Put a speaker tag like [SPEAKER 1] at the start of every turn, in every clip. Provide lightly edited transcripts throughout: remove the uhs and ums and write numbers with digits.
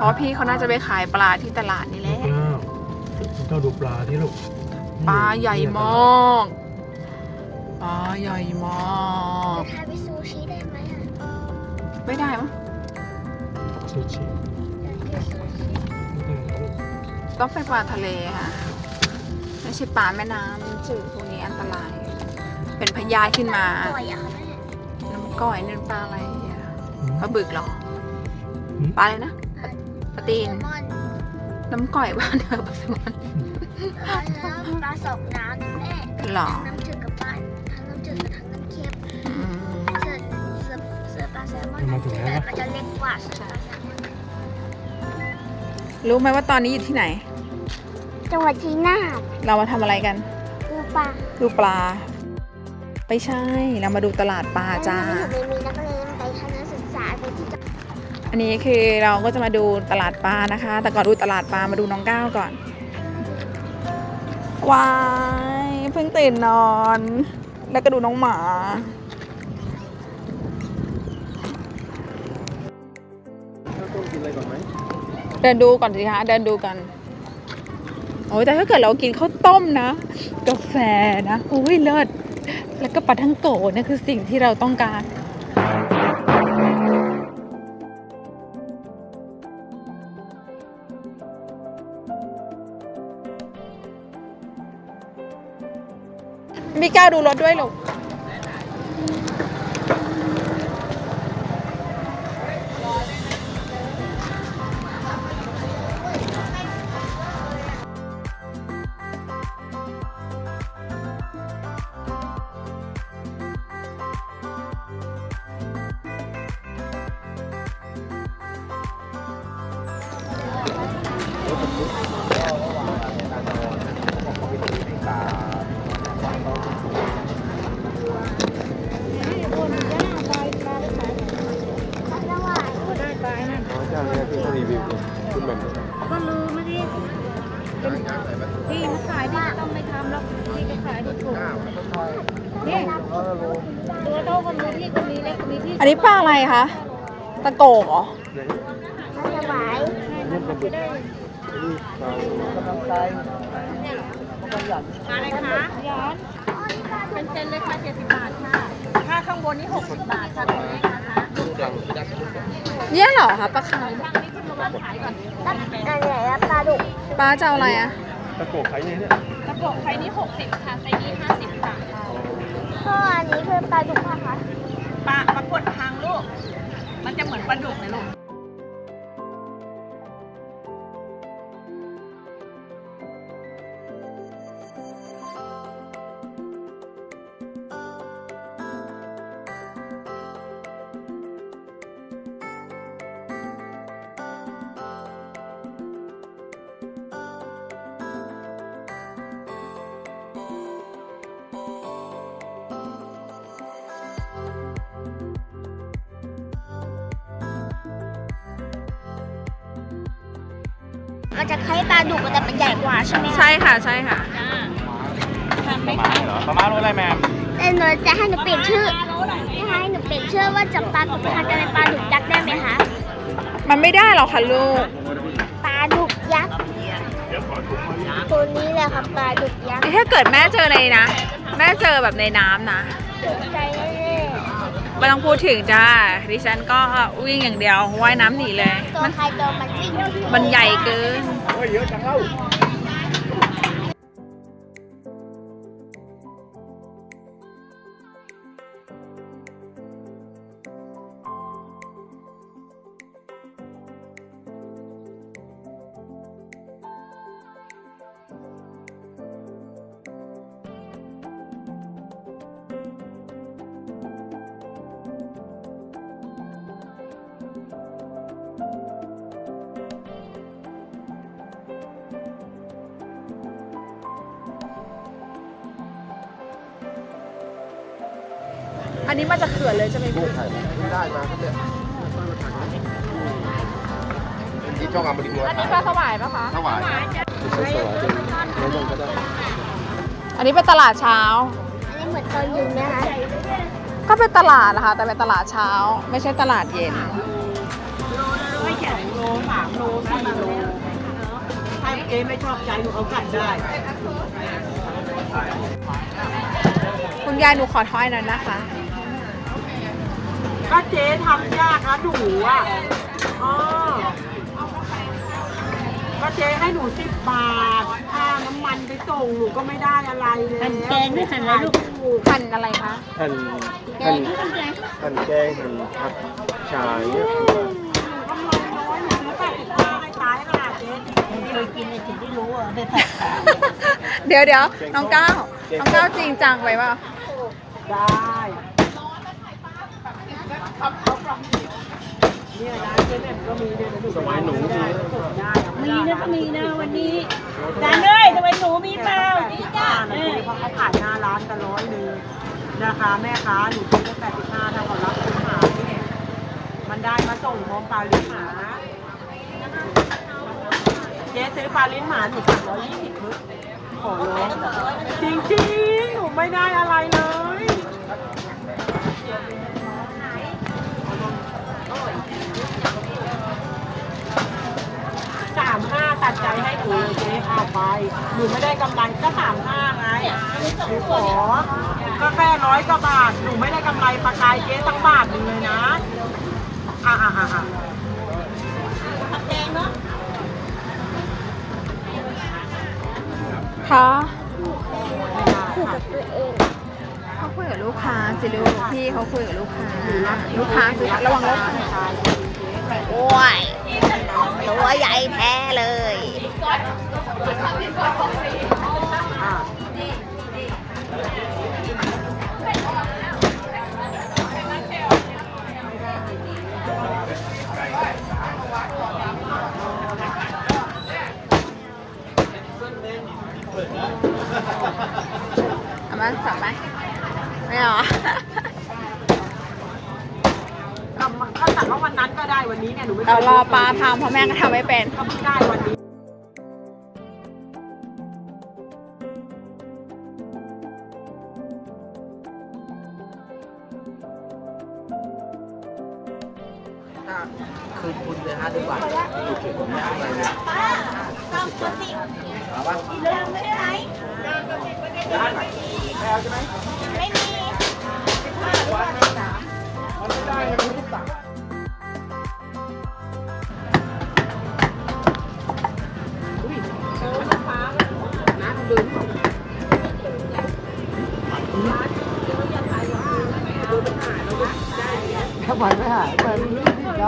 [SPEAKER 1] ราะพี่เขาน่าจะไปขายปลาที่ตลาดนี่แหละ
[SPEAKER 2] เจ้าดูปลาที่ลูก
[SPEAKER 1] ปลาใหญ่มากปลาใหญ่มาก
[SPEAKER 3] ทำเป็นซูชิได้ไหมอ่ะ
[SPEAKER 1] ไม่ได้มั้ง
[SPEAKER 2] ซูชิ
[SPEAKER 1] ต้องเป็นปลาทะเลค่ะไม่ใช่ปลาแม่น้ำจืดพวกนี้อันตรายเป็นพยาธิขึ้นมาน้ำก้อยนี่ปลาอะไรอ่ะปลาบึกเหรอปลาอะไรนะปลาตีนน้ำก้อยบ้านเธอปลาแซลมอน
[SPEAKER 3] ปลาสองน้ำแม่
[SPEAKER 1] หรอ
[SPEAKER 3] น้ำจืดกับปลาทั้งน้ำจืดกับทั้งน้ำเค็มเสือปลาแซลมอนมันจะเล็กกว่าเสือปลาแซลมอน
[SPEAKER 1] รู้ไหมว่าตอนนี้อยู่ที่ไหน
[SPEAKER 3] จังหวัดชัยนาท
[SPEAKER 1] เรามาทำอะไรกัน
[SPEAKER 3] ดูปลา
[SPEAKER 1] ไม่ใช่เรามาดูตลาดปลาจ้า
[SPEAKER 3] มีนักเรียนไปทัศนศึกษาไปที่
[SPEAKER 1] อันนี้คือเราก็จะมาดูตลาดปลานะคะแต่ก่อนดูตลาดปลามาดูน้องก้าวก่อนว้ายเพิ่งตื่นนอนแล้วก็ดูน้องหมา
[SPEAKER 2] ต้องกินอะไรก่อนไหม
[SPEAKER 1] เดินดูก่อนสิคะเดินดูกันโอ้ยแต่ถ้าเกิดเรากินข้าวต้มนะกาแฟนะโอ้ยเลิศแล้วก็ปลาทังโกะนี่คือสิ่งที่เราต้องการมีก้าวดูรถด้วยลูก
[SPEAKER 3] ก็รู้ไม่ได้พี่มาขายพี่ต้องไม่ทำแล้วพี่ก็ขายถูกนี่ตัวโตคนนี้พี่คนนี้เล็กคนนี้พี่
[SPEAKER 1] อันนี้ปลาอะไรคะตะโกกเหรอ
[SPEAKER 3] ปลาสวายอะไรคะย้อนเป็นเซนเลยค่ะ70 บาทค่ะถ้าข้างบนนี่60 บาทค่ะตรงนี้นะคะ
[SPEAKER 1] เนี่ยเหรอคะปลาคาร์ฟ
[SPEAKER 3] ปลาดุก
[SPEAKER 1] ปลาจะเอาอะไรอะ
[SPEAKER 2] ตะโกกไข่เนี่ย
[SPEAKER 3] ตะโกกไข่นี่60ค่ะไซนี้50 บาทพ่ออันนี้คือปลาดุกค่ะ
[SPEAKER 4] ปลากดทางลูกมันจะเหมือนปลาดุกเลยลูก
[SPEAKER 3] มันจะคล้ายปลาดุกแต่มันใหญ่กว่าใช่ไหม
[SPEAKER 1] ใช่ค่ะใช่ค่ะ
[SPEAKER 2] ปลาม้าเหรอปลาม้ารู้อะไรแม่
[SPEAKER 3] แต่หนูจะให้หนูเปลี่ยนชื่อให้หนูเปลี่ยนชื่อว่าจากปลาดุกพันจะเป็นปลาดุกยักษ์ได้ไหมคะ
[SPEAKER 1] มันไม่ได้หรอกค่ะลูก
[SPEAKER 3] ปลาดุกยักษ์ตัวนี้แหละค่ะปลาดุกยักษ์
[SPEAKER 1] ถ้าเกิดแม่เจอในนะแม่เจอแบบในน้ำนะ
[SPEAKER 3] ใจแน่
[SPEAKER 1] ไม่ต้องพูดถึงจ้าดิฉันก็วิ่งอย่างเดียวว่ายน้ำหนีเลย
[SPEAKER 3] ตัวใครตัวมันวิ่ง
[SPEAKER 1] มันใหญ่เกิน
[SPEAKER 2] เยอะจังเล่า
[SPEAKER 1] อันนี้มาจากเขื่อนเลยใช่ไหมพี่
[SPEAKER 2] ไม่ได้มาครับเนี่ยที่ช่องอมรินทร์
[SPEAKER 1] อันนี้ปลาสวายปะคะ
[SPEAKER 2] สวายไม่สวายไม่ต้องก็ได้
[SPEAKER 1] อันนี้เป็นตลาดเช้า
[SPEAKER 3] อันนี้เหมือนตอนเย็นนะคะ
[SPEAKER 1] ก็เป็นตลาดนะคะแต่เป็นตลาดเช้าไม่ใช่ตลาดเย็น
[SPEAKER 4] 3 โล 4 โลถ้าเจ๊ไม่ชอบใจหนูเอากลับได้
[SPEAKER 1] คุณยายหนูขอถ้อยหน่อยนะคะ
[SPEAKER 4] ก็เจ๊ทำยากนะหนูอ่ะอ๋อก็เจ๊ให้หนู10 บาทค่าน้ำมันไปส่งหนูก็ไม่ได้อะไรเลย
[SPEAKER 3] หั่นแกงหรือหั่นอะไรลูก
[SPEAKER 1] หั่นอะไรคะ
[SPEAKER 2] หั่น
[SPEAKER 3] แก
[SPEAKER 2] หั่
[SPEAKER 3] ง
[SPEAKER 2] น
[SPEAKER 3] หรือหั่นแกง
[SPEAKER 2] หั่นแกงหั่นผักฉายเนี่ย
[SPEAKER 4] กำไรน้อยหนูซื้อ85ให้ตายขนาดเจ๊
[SPEAKER 3] เคยกินเลยถึงได้รู้อ่ะได้ผัด
[SPEAKER 1] เดี๋ยวน้องก้าวจริงจังไปเปล่า
[SPEAKER 4] ได้เนี่ยร้านเจ๊แหม่มก็มีเนี่ยนะ
[SPEAKER 2] สมัยหนูมี
[SPEAKER 4] ได้
[SPEAKER 3] มีนะก็มีนะวันนี้จานเลยทำไมหนูมีเปล่าดีจ้า
[SPEAKER 4] เพราะเขาขายหน้าร้านกัน100นะคะแม่ค้าหนูซื้อได้85ถ้าเขารับคุณหาเนี่ยมันได้มาส่งพร้อมปลาลิ้นหมาเจ๊ซื้อปลาลิ้นหมาหนู320พึ่งขอร้องจริงๆหนูไม่ได้อะไรเลย35ตัดใจให้หนูเลยเจ๊เอาไปหนูไม่ได้กำไรก็35ไงหนูขอก็แค่100 กว่าบาทหนูไม่ได้กำไรปลากายเจ๊ตั้งบาทหนึงเลยนะแดงเนาะ
[SPEAKER 1] คะเขาคุยกับลูกค้าสิลูกพี่เขาคุยกับลูกค้าคือระวังรถโอ้ยตัวใหญ่แท้เลย เอามาสับไหมไม่เอา
[SPEAKER 4] ก็ตัดว่าวันนั้นก็ได้วันนี้เนี่ยหนูไม่
[SPEAKER 1] เรารอปลาทำเพราะแม่ก็ทำไม่เป็น
[SPEAKER 4] ก็ไม่ได้วันนี้คืนคุณเลยฮะดีกว่าเอาปะไม่มีถ้าไหวไม่หายไปได้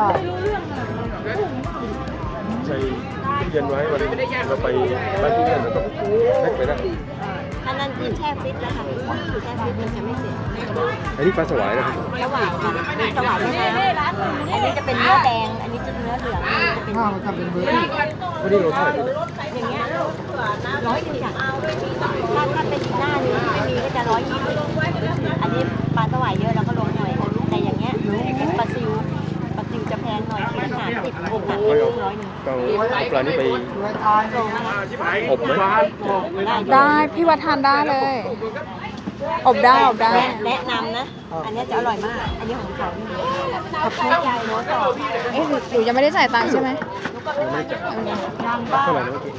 [SPEAKER 2] ใส่ตู้เย็นไว้วันเราไปบ้านตู้เย็นเราต้องแพ็คไปนะ
[SPEAKER 3] อันนั้นคือแช่ฟิตแล้วค่ะแช่ฟิตมันจะไม่เสีย
[SPEAKER 2] อันนี้ปลาสวายนะครับ
[SPEAKER 3] สว่างค่ะมีสว่างด้วยนะอันนี้จะเป็นเนื้อแดง อันนี้จะเนื้อเหลืองอันนี้จะเป็น
[SPEAKER 2] วันนี้เราเท่าไหร่ดี
[SPEAKER 3] อย่างเงี้ย100จ้ะถ้าเป็นหน้านี้ไม่มีก็จะ120อันนี้ปลาสวายเยอะเราก็ลงหน่อย แต่อย่างเงี้ยปลาซิวจะแพงหน่อยคิด50 60
[SPEAKER 2] ไม่เอา
[SPEAKER 3] 100
[SPEAKER 2] ต้องเอาปลานี้ไป
[SPEAKER 3] โลมา
[SPEAKER 2] อบไหม
[SPEAKER 1] ได้พี่วัดทานได้เลย อบได้
[SPEAKER 3] แนะนำนะ อันนี้จะอร่อยมาก อันนี้ของเขาขอบคุณยายโน้ตต่อ
[SPEAKER 1] เอ๊ะหนูยังไม่ได้จ่ายตังค์ใช่ไหม
[SPEAKER 2] ยังไม่ได้จับ
[SPEAKER 3] นำบ้า
[SPEAKER 2] เท่าไหร่นะเมื่อกี้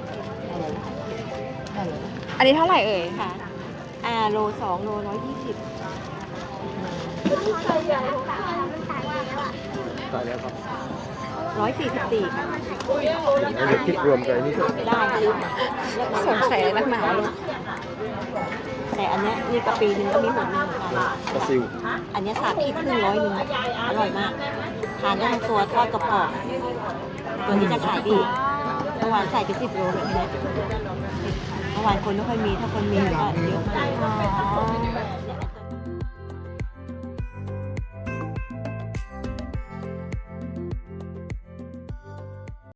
[SPEAKER 1] อันนี้เท่าไหร่เอ่ย
[SPEAKER 3] ค่ะโล2 โล 120
[SPEAKER 2] ตายแล้วครับ
[SPEAKER 3] 144ค่ะ
[SPEAKER 2] แล้วเดี๋ยวคิดรวมกันนี่ก็
[SPEAKER 3] ได้ค่ะ
[SPEAKER 1] สงสัยอะไรนักหนาลูก
[SPEAKER 3] แต่อันเนี้ยนี่กะปีนึงก็มี6 1ค่ะ
[SPEAKER 2] ปลาซิว
[SPEAKER 3] อันเนี้ย3 ขีดครึ่ง100 นึงอร่อยมาก ทานได้ทั้งตัวทอดกระป๋องตัวนี้จะขายดีเมื่อวานใส่ไป10 โลเลยทีเนี้ยเมื่อวานคนไม่ค่อยมี ถ้าคนมีก็เยอะมาก